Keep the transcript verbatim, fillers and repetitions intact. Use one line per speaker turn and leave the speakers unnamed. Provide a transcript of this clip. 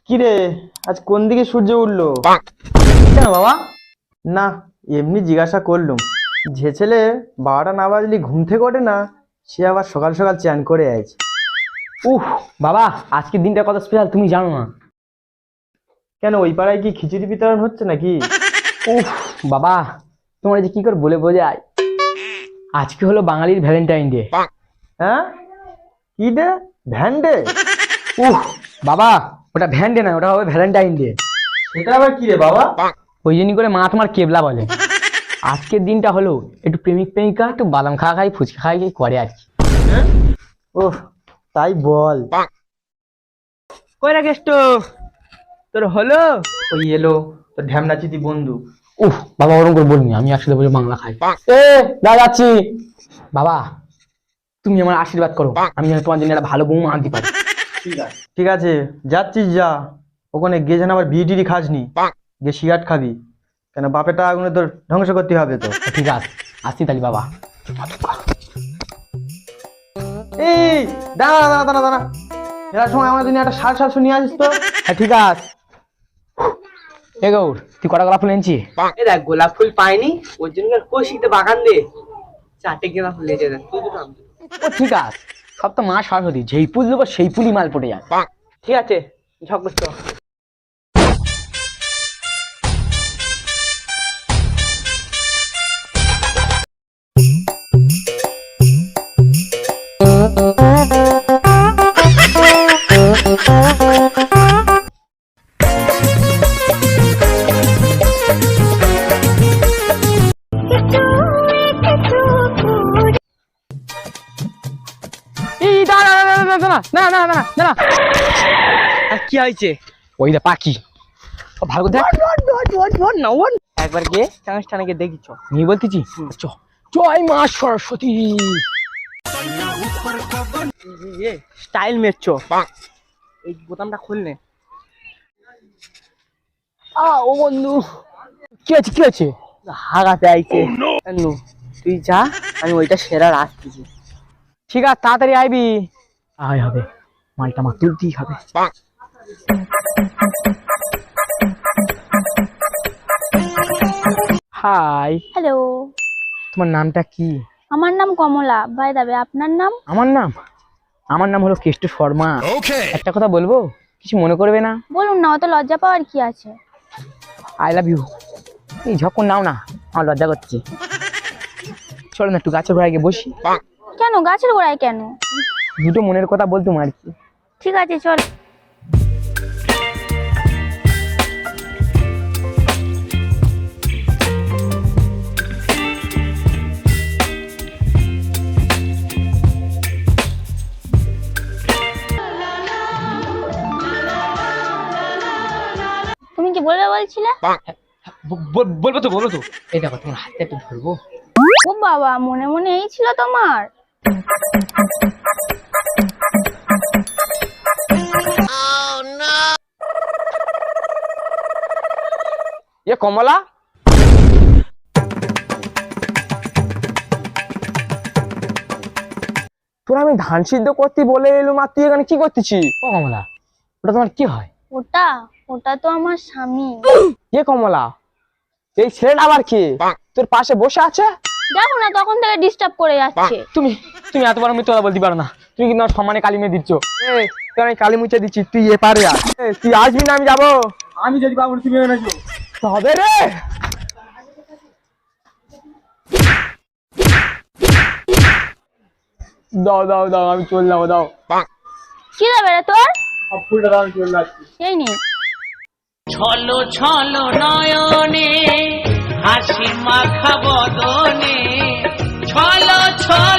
কিরে, আজ কোন দিকে সূর্য উঠলো?
কেন বাবা?
না, এমনি জিজ্ঞাসা করলুম। যে ছেলে বারোটা না বাজলি ঘুম থেকে ওঠে না, সে আবার সকাল সকাল চান করে আছে।
উহ বাবা, আজকের দিনটা কত স্পেশাল তুমি জানো না?
কেন, ওই পাড়ায় কি খিচুড়ি বিতরণ হচ্ছে নাকি?
উহ বাবা, তোমার যে কি করে বলে বোঝায়, আজকে হলো বাঙালির ভ্যালেন্টাইন ডে।
হ্যাঁ, কি ডে? Van day?
উহ বাবা, ওটা ভ্যান ডে না, ওটা হবে ভ্যালেন্টাইন ডে।
সেটা আবার কি রে বাবা?
ওই জন্য করে মা তোমার কেবলা বলে। আজকের দিনটা হলো একটু প্রেমিক প্রেমিকা একটু বাদাম খাওয়া খাই ফুচকা খাই খাই করে আর কি।
ওহ, তাই বল।
কই রাখিস তো তোর হলো?
ওই এলো তোর ঢ্যামনাচিতি বন্ধু।
উহ বাবা, ওরকম করে বলনি, আমি একসাথে বলে বাংলা খাই। এ দা যাচ্ছি। বাবা, তুমি আমার আশীর্বাদ করো, আমি যেন তোমার জন্য একটা ভালো বৌমা আনতে পারি।
ঠিক আছে ঠিক আছে, যাচ্ছিস যা। ওখানে গিয়ে যেন আবার বিড়ি টিড়ি খাসনি, গিয়ে সিগারেট খাবি, কেন বাপের টাকাগুলো তোর ধ্বংস করতে হবে তো।
ঠিক আছে, আসছি তাহলে বাবা।
এই দাঁড়া দাঁড়া দাঁড়া দাঁড়া, এর সময় আমার জন্য একটা শাল শাল শুনিয়ে আসিস তো।
হ্যাঁ ঠিক আছে। এ গৌর, তুই কটা গোলাপ ফুল এনেছি?
এ দেখ, গোলাপ ফুল পাইনি, ওর জন্য কষিতে বাগান দে চারটে গোলাপ ফুল লেগে দেখ তুই দুটো আমি দুটো।
ও ঠিক আছে, সব তো মা সরস্বতী, যেই ফুল দেবো সেই ফুলই মাল পড়ে যায়।
ঠিক আছে, ঝক করছো।
এই দাঁড়া দাঁড়া দাঁড়া দাঁড়া না না না না না,
আর কি হয়েছে?
ওই দা পাখি, ও ভালো করে দেখ।
একবার গিয়ে টানাস টানাকে দেখিছ
নিয়ে বলতেছি চ, জয় মা সরস্বতী।
স্টাইল মেরছো। এই বোতামটা খুলনে।
আ ও বন্ধু, কি আছে কি আছে?
হাগাতে আইছে। নু, তুই যা, আমি ওইটা সেরা রাখতেছি।
ঠিক আছে, তাড়াতাড়ি আইবি। আয় হবে, মালটা মা তুলতেই হবে। হাই,
হ্যালো,
তোমার নামটা কি?
আমার নাম কমলা। বাই দাবে, আপনার নাম?
আমার নাম আমার নাম হলো কেষ্ট শর্মা। একটা কথা বলবো, কিছু মনে করবে না?
বলুন না, অত লজ্জা পাওয়ার কি আছে?
I love you. এই ঝকন নাও না, আমার লজ্জা করছে। চলো না একটু গাছের গোড়ায় গিয়ে বসি।
কেন গাছের গোড়ায় কেন?
দুটো মনের কথা বলতুম আর কি।
ঠিক আছে চল। তুমি কি বলবে বলছিলে?
বলবো তো বলবো তো এই দেখো, তোমার হাতে একটু ধরবো।
ও বাবা, মনে মনে এই ছিল তোমার?
এ কমলা, তোর আমি ধান সিদ্ধ করতে বলে এলো, মা তুই এখানে কি করতেছি? ও কমলা, ওটা তোমার কি হয়?
ওটা ওটা তো আমার স্বামী।
এ কমলা, এই ছেলেটা আবার কি তোর পাশে বসে আছে?
দেখো না, তখন থেকে ডিস্টার্ব করে যাচ্ছে।
তুমি তুমি এত বড় মিথ্যা কথা বলতে পারো না। তুমি কিন্তু আমার সম্মানে কালি মেয়ে দিচ্ছ। এ তোর আমি কালি মুছে দিচ্ছি, তুই এ পারে আয়। এ, তুই আসবি না, আমি যাবো।
আমি যদি পাবো তুমি এনেছো
হবে রে। দাও দাও দাও, আমি চললাম, দাও।
কি দেবে রে তোর?
ফুলটা দাও, আমি চলে যাচ্ছি।
এই নে।
ছলো ছলো নয়নে হাসি মাখা বদনে ছলো ছলো